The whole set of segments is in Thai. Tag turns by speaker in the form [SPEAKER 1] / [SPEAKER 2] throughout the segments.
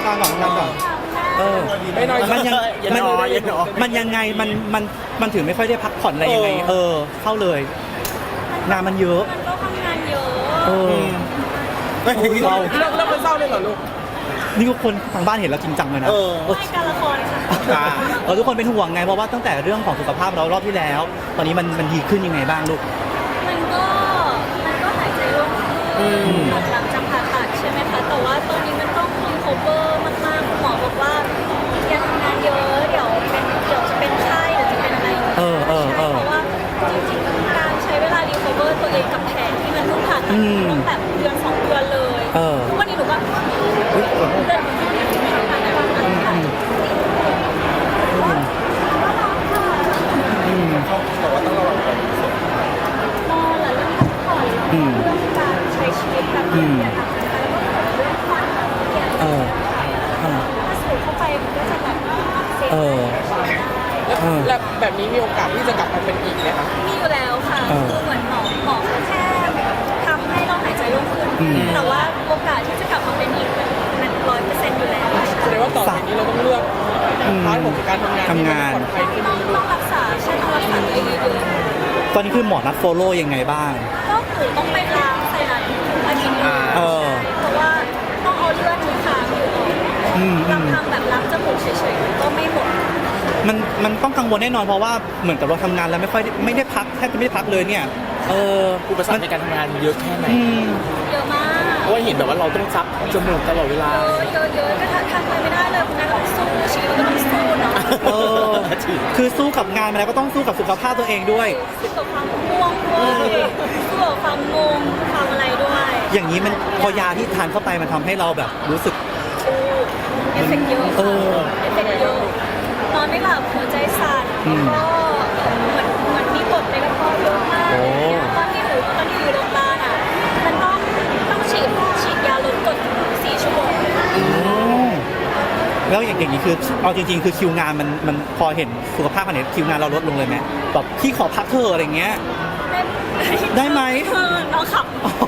[SPEAKER 1] การก่อน
[SPEAKER 2] ไม่น้อย
[SPEAKER 1] มันยังมันยังไงมันถึงไม่ค่อยได้พักผ่อนอะไรยังไงเข้าเลยงานมันเยอะ
[SPEAKER 3] มันก็ทำงานเยอะ
[SPEAKER 1] เรา
[SPEAKER 2] เรื่องมันเศร้าเลยเหรอลูก
[SPEAKER 1] นี่ทุกคนทางบ้านเห็นแล้วจริงจังเลยนะ
[SPEAKER 3] ไม่การละครค่ะ
[SPEAKER 1] ทุกคนเป็นห่วงไงเพราะว่าตั้งแต่เรื่องของสุขภาพเรารอบที่แล้ว ตอนนี้มันดีขึ้นยังไงบ้างลูก
[SPEAKER 3] มันก็หายใจโล่งขึ้นหลังจากผ่าตัดใช่ไหมคะแต่ว่าตอนนี้มันต้องรีคัฟเวอร์มากๆหมอบอกว่าอย่าทำงานเยอะเดี๋ยวจะเป็นไข้เดี๋ยวจะเป็นอะไรใช่เพราะว่าจริงๆการใช้เวลารีคัฟเวอร์ตัวเองกับแผลที่มันเพิ่งผ่าตัดต้องแบบเดือน2 เดือนเลยทุกวันนี้หนูก็เดินเรื่องการใช้ชีวิตแบบอย่าทำแล้วก็เรื่องความเกี่ยวถ้าสูดเข้าไปมันก็จะแบบเสีย
[SPEAKER 2] แล้วแบบนี้มีโอกาสที่จะกลับมาเป็นอีกไหมคะ
[SPEAKER 3] มีอยู่แล้วค่ะคือเหมือนหมอแค่ทำให้เราหายใจโล่งขึ้นแต่ว่าโอกาสที่จะกลับมาเป็นอีกมัน100%อยู่แล้ว
[SPEAKER 2] แสดงว่าต่อจากนี้เราต้องเลือกพาร์ทของการทำงานที่ปลอดภัยขึ้น
[SPEAKER 3] ต้องรักษาต้องรักษาตัวเองเยอะ
[SPEAKER 1] ตอนนี้คือหมอนัดโฟโล่ยังไงบ้าง
[SPEAKER 3] ก็คือต้องไปล้างไซนัสอาทิตย์นึงเพราะว่าต้องเอาเลือดที่ค้างอยู่ลำพังแบบล้างจมูกเฉยๆก็ไม่หมด
[SPEAKER 1] มันต้องกังวลแน่นอนเพราะว่าเหมือนกับเราทำงานแล้วไม่ได้พักแทบจะไม่ได้พักเลยเนี่ย
[SPEAKER 4] อุปสรรคในการทำงานเยอะแค่ไหน
[SPEAKER 3] เยอะมาก
[SPEAKER 4] เพราะว่าเห็นแบบว่าเราต้องซับจมูกตลอดเวลา
[SPEAKER 3] เยอะก็ทำอะไรไม่ได้เลยคุณนายต้องสู้ชีวิตก็ต้องสู้เนาะ
[SPEAKER 1] คือสู้กับงานมาแล้วก็ต้องสู้กับสุขภาพตัวเองด้วย
[SPEAKER 3] สู้กับความง่วงด้วยสู้กับความงงความอะไรด้วย
[SPEAKER 1] อย่างนี้มันพอยาที่ทานเข้าไปมันทำให้เราแบบรู้สึก
[SPEAKER 3] เอฟเฟกต์เยอะเอฟเฟกต์เยอะนอนไม่หลับหัวใจสั่นแล้วก็เหมือนมีกรดในกระเพาะเยอะมากตอนที่อยู่โรงพยาบาลอ่ะมันต้องฉีดยาลดกรด4 ชั่วโมง
[SPEAKER 1] แล้วอย่างนี้คือเอาจริงๆคือคิวงานมันพอเห็นสุขภาพขนาดนี้คิวงานเราลดลงเลยไหมแบบพี่ขอพักเธออะไรเงี้ยได้ไหม
[SPEAKER 3] น้องขับ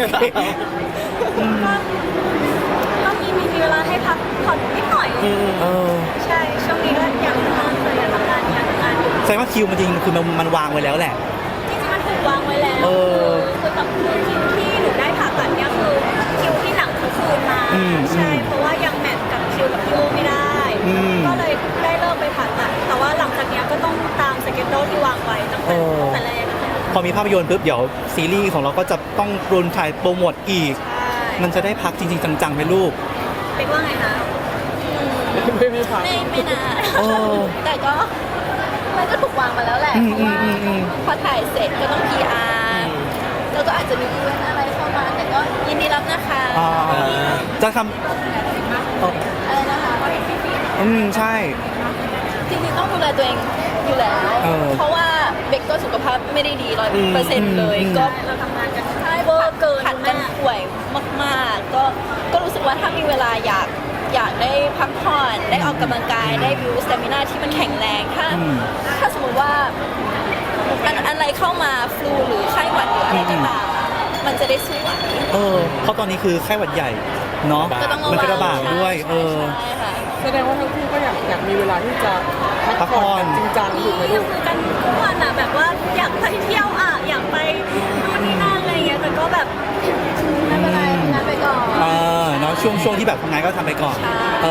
[SPEAKER 3] ก็มีเวลาให้พักผ่อนนิดหน่อยใช่ช่วงนี้ก็อยากทำงานอยู่
[SPEAKER 1] แสดงว่าคิวมันจริงคือมันวางไว้แล้วแหละ
[SPEAKER 3] จริงๆมันถูกวางไว้แล้วคือแบบคิวที่หนูได้ผ่าตัดเนี่ยคือคิวที่หนังทุกคืนมาใช่เพราะว่ายังแมทกับคิวกับพี่โอไม่ได้ก็เลยได้เลิกไปผ่าตัดแต่ว่าหลังจากนี้ก็ต้องตามสเกจโดที่วางไว้ตั้งแต่แรก
[SPEAKER 1] พอมีภาพยนตร์ปุ๊บเดี๋ยวซีรีส์ของเราก็จะต้องรุนถ่ายโปรโมทอีกมันจะได้พักจริงๆจังๆไหมลูก
[SPEAKER 3] เป็นว่าไงนะ
[SPEAKER 2] ไม่พัก
[SPEAKER 3] ไม่นานแต่ก็มันก็ถูกวางมาแล้วแหละเพราะว่าพอถ่ายเสร็จก็ต้อง PR แล้วก็อาจจะมีอีเวนต์อะไรเข้ามาแต่ก็ยินดีรับนะคะ
[SPEAKER 1] จะทำ
[SPEAKER 3] อะไรนะคะ
[SPEAKER 1] ใช่
[SPEAKER 3] จริงๆต้องดูแลตัวเองอยู่แล้วเพราะว่าเบกก็สุขภาพไม่ได้ดี100%เลยก็เราทำงานกันใช่เวอร์เกินผัดกันป่วยมากๆก็รู้สึกว่าถ้ามีเวลาอยากได้พักผ่อนได้ออกกำลังกายได้บิวสเตมินาที่มันแข็งแรงถ้าสมมติว่าอะไรเข้ามาฟลูหรือไข้หวัดหรืออะไรก็ตามมันจะได้สู้ไหว
[SPEAKER 1] เพราะตอนนี้คือไข้หวัดใหญ่เนาะมันจะระบาดด้วย
[SPEAKER 2] แสดงว่าทั้งคู่ก็อยากมีเวลาที่จะพักผ่อนจริงจังถูกไหมลูก
[SPEAKER 3] คุยกันทุกวันอ่ะแบบว่าอยากไปเที่ยวอ่ะอยากไปนู่นนี่นั่นอะไรเงี้ยแต่ก็แบบไม่เป็นไรทำงานไปก่อน
[SPEAKER 1] เนาะช่วงที่แบบทำงานก็ทำไปก่อน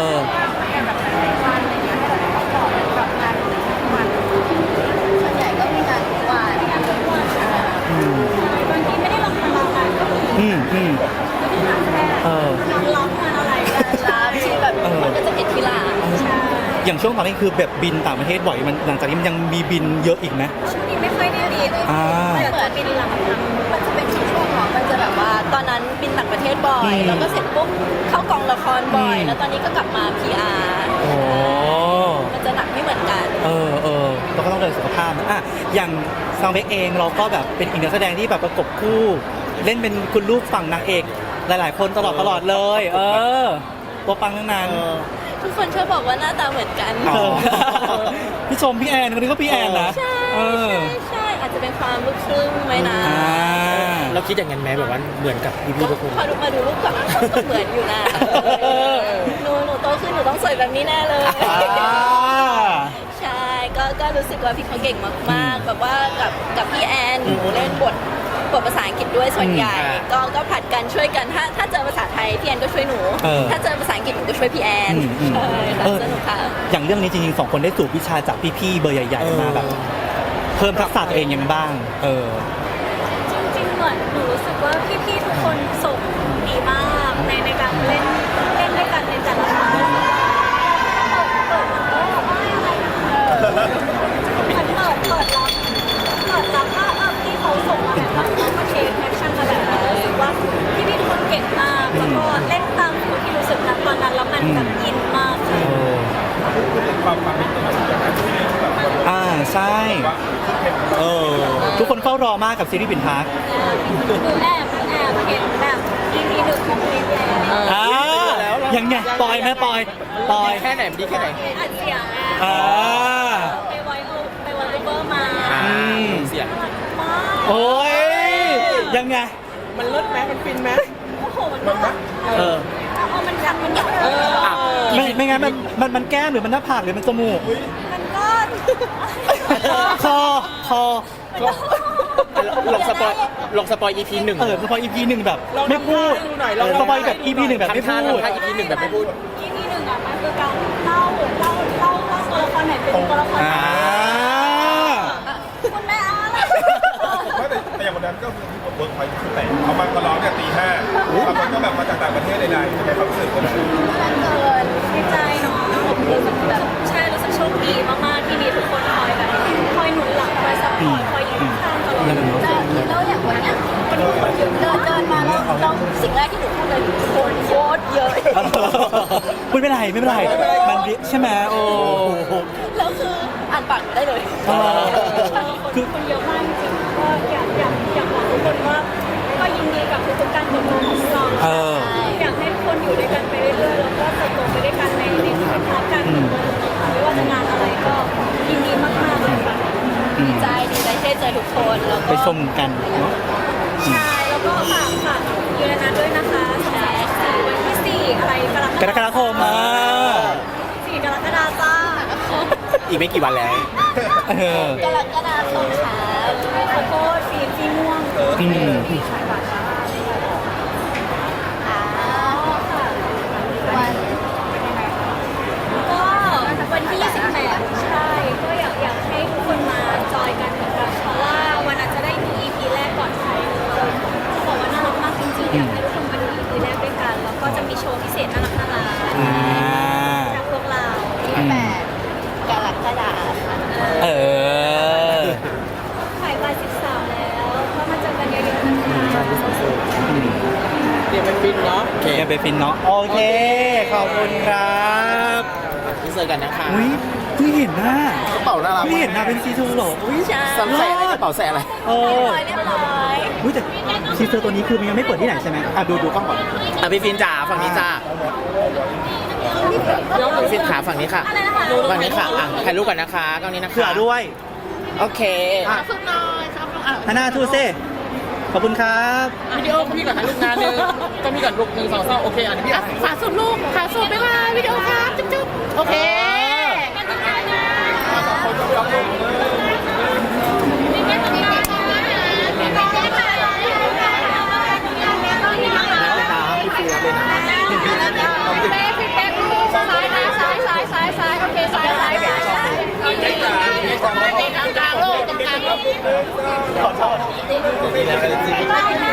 [SPEAKER 3] ส่วนใหญ่ก็มีงานทุกวันบางทีไม่ได้ลงทำงานก็มีงานแค่งานร้องงานอะไรรับที่แบบมันก็จะเห็นทีหลัง
[SPEAKER 1] อย่างช่วงตอนนี้คือแบบบินต่างประเทศบ่อยมันหลังจากนี้มันยังมีบินเยอะอีกไหม
[SPEAKER 3] ช่วงนี้ไม่ค่อยได้บินเหมือนบินหลังมันจะเป็นช่วงของมันจะแบบว่าตอนนั้นบินต่างประเทศบ่อยแล้วก็เสร็จปุ๊บเข้ากองละครบ่อยแล้วตอนนี้ก็กลับมา PR มันจะหนักไม่เหมือนกัน
[SPEAKER 1] เราก็ต้องดูสุขภาพนะอย่างซังเบกเองเราก็แบบเป็นอีกนักแสดงที่แบบประกบคู่เล่นเป็นคุณลูกฝั่งนางเอกหลายๆคนตลอดเลยตัวปังทั้งนั้น
[SPEAKER 3] ทุกคนชอบบอกว่าหน้าตาเหมือนกัน
[SPEAKER 1] พี่ชมพี่แอนคนนี้ก็พี่แอนนะ
[SPEAKER 3] ใช่อาจจะเป็นความลูกครึ่งไหมนะ
[SPEAKER 4] เราคิดอย่างนั้นไหมแบบว่าเหมือนกับพี่ๆทุกคน
[SPEAKER 3] พอมาดูรูปก่อนก็เหมือนอยู่นะหนูโตขึ้นหนูต้องสวยแบบนี้แน่เลย ใช่ก็รู้สึกว่าพี่เขาเก่งมากๆแบบว่ากับพี่แอนหนูเล่นบทภาษาอังกฤษด้วยส่วนใหญ่ก็ผัดกันช่วยกันถ้าเจอภาษาไทยพี่แอนก็ช่วยหนู ถ้าเจอภาษาอังกฤษหนูก็ช่วยพี่แอนใช่ค่ะสนุกค่ะ
[SPEAKER 1] อย่างเรื่องนี้จริงๆ2 คนได้สูบวิชาจากพี่ๆเบอร์ใหญ่ๆมาแบบเพิ่มทักษะตัวเองยังไงบ้าง
[SPEAKER 5] จริงๆเหมือนหนูรู้สึกว่าพี่ๆทุกคนส่งดีมากในการเล่นด้วยกันในแต่ละครั้งเปิดมันก็ไม่อะไรมันเปิดรับว่าพี่เขาส่งมาแบบนั้นแล้วก็เทคแอคชั่นมาแบบนั้นรู้สึกว่าพี่ๆทุกคนเก่งมากแล้วก็เล่นตามที่รู้สึกนะตอนนั้นแล้วมันแบบอินมากค่ะ
[SPEAKER 1] ใช่ทุกคนเฝ้ารอมากกับซีรีส์ปิ่นพัก
[SPEAKER 5] หนูแอบเห็นแบบ EP 1ของเพลงแล้ว
[SPEAKER 1] ยังไงปอยไหมปอย
[SPEAKER 4] แค่ไหนดีแค่ไหน
[SPEAKER 5] อัดเสียงไปไวโอเวอร์มา
[SPEAKER 4] เสียง
[SPEAKER 5] มาก
[SPEAKER 1] โอ้ยยังไง
[SPEAKER 2] มันเลิศไหมมันฟินไหม
[SPEAKER 5] โอ้โหมันแบบมันดังมันแบบ
[SPEAKER 1] ไม่งั้นมันแก้มหรือมันหน้าผากหรือมันจมูก
[SPEAKER 5] มันก็
[SPEAKER 1] คอ
[SPEAKER 4] ลงสปอย EP 1
[SPEAKER 1] สปอย EP 1แบบไม่พูดสปอยแบบ EP 1แบบไม่พูด
[SPEAKER 4] ทำท่า EP 1แบบไม่พูด
[SPEAKER 5] EP 1อ่ะมันคือการเล่าตัวละครไหนเป็นตัวละครไหนคุณแม่อะไร
[SPEAKER 6] แต่อย่างวันนั้นก็คือที่ผมเวิร์กพอยต์คือแต่เขามาร้องเนี่ยตี 5บางคนก็แบบมาจากต่างประเทศใดๆในความรู้สึกกัน
[SPEAKER 5] ดีใจเนาะรู้สึกแบบใช่รู้สึกโชคดีมากๆที่มีทุกคนคอยแบบคอยหนุนหลังคอยซัพพอร์ตคอยยืนข้างตลอด
[SPEAKER 3] แล้วอย่างวันเนี้ยมันดูคนเยอะเดินมาแล้วสิ่งแรกที่หนูพูดเลยคนโคตรเยอะ
[SPEAKER 1] ไม่เป็นไรมันใช่ไหมโอ้
[SPEAKER 3] แล้วคืออ่านปากได้เลย
[SPEAKER 5] คนเยอะมากจริงๆก็อยากบอกทุกคนว่าก็ยินดีกับทุกๆการเติบโตของเราอยากให้ทุกคนอยู่ด้วยกันไปเรื่อยๆแล้วก็เติบโตไปด้วยกันในพาร์ทการเติบโตไม่ว่าจะงานอะไรก็ยินดีมากๆเลยค่ะ
[SPEAKER 3] ดีใจที่ได้เจอทุกคนแล้วก็
[SPEAKER 1] ไปชมกันเนาะ
[SPEAKER 5] ใช่แล้วก็ฝากยูเรนัสด้วยนะคะ2-3-4วันที่4อะไรกรกฎาคม 4 กรกฎาคมจ้า
[SPEAKER 4] อีกไม่กี่วันแล้ว
[SPEAKER 3] กรกฎาคมค่ะ
[SPEAKER 5] ขอโทษสีม่วงสีฉายหวานมาก
[SPEAKER 3] วัน
[SPEAKER 5] ก็วันที่28ใช่ก็อยากให้ทุกคนมาจอยกันเหมือนกันเพราะว่าวันอาจจะได้ดู EP แรกก่อนใครเลยเขาบอกว่าน่ารักมากจริงๆอยากให้ทุกคนมาดู EP แรกด้วยกันแล้วก็จะมีโชว์พิเศษน่ารักจากพวกเรา
[SPEAKER 3] 8 กรกฎาคม
[SPEAKER 5] ถ่ายวัน13แล้วก็มาเจอกันเยอะๆนะคะ
[SPEAKER 2] เดี๋ยวมันฟินเนาะ
[SPEAKER 1] โอเคไปฟินเนาะโอเคขอบคุณครับ
[SPEAKER 4] ที่เจอกันนะคะ
[SPEAKER 1] อุ้ยเพิ่งเห็นหน้าก
[SPEAKER 4] ระเป๋าน่ารัก
[SPEAKER 1] เพิ่งเห็นหน้าเป็นซีทูเหรออุ้ย
[SPEAKER 3] ใช่
[SPEAKER 4] ใส่อะไรกระเป๋าใส่อะไร
[SPEAKER 3] เรียบร้อย
[SPEAKER 1] อุ้ยแต่ทีเซอร์ตัวนี้คือมันยังไม่เปิดที่ไหนใช่ไหมดูกล้องก่อน
[SPEAKER 4] พี่ฟินจ๋าฝั่งนี้จ้าพี่ฟินขาฝั่งนี้ค่ะฝั่งนี้ค่ะถ่ายรูปกันนะคะกล้องนี้นะคะ
[SPEAKER 1] เผื่อด้วย
[SPEAKER 4] โอเค
[SPEAKER 1] ฮาน่าทูเซ่ขอบคุณครับ
[SPEAKER 2] วิดีโอพี่ก่อนนะลูกงานนึงก็มีก่อนลูก1 2 3โอเคอันนี้พี่อ่ะ
[SPEAKER 5] ฝากส่งลูกฝากส่งไปว่าวิดีโอครับจุ๊บๆโอเคกันตรงกลางนะนี่กันตรงกลางนะนี่กันตรงกลางนะ
[SPEAKER 4] พี่ฟินรับเลยนะ
[SPEAKER 5] พี่เป๊กลูกซ้ายนะซ้ายโอเคซ้ายนี่ตรงกลางลูกตรงกลางลูก
[SPEAKER 1] ขอโทษ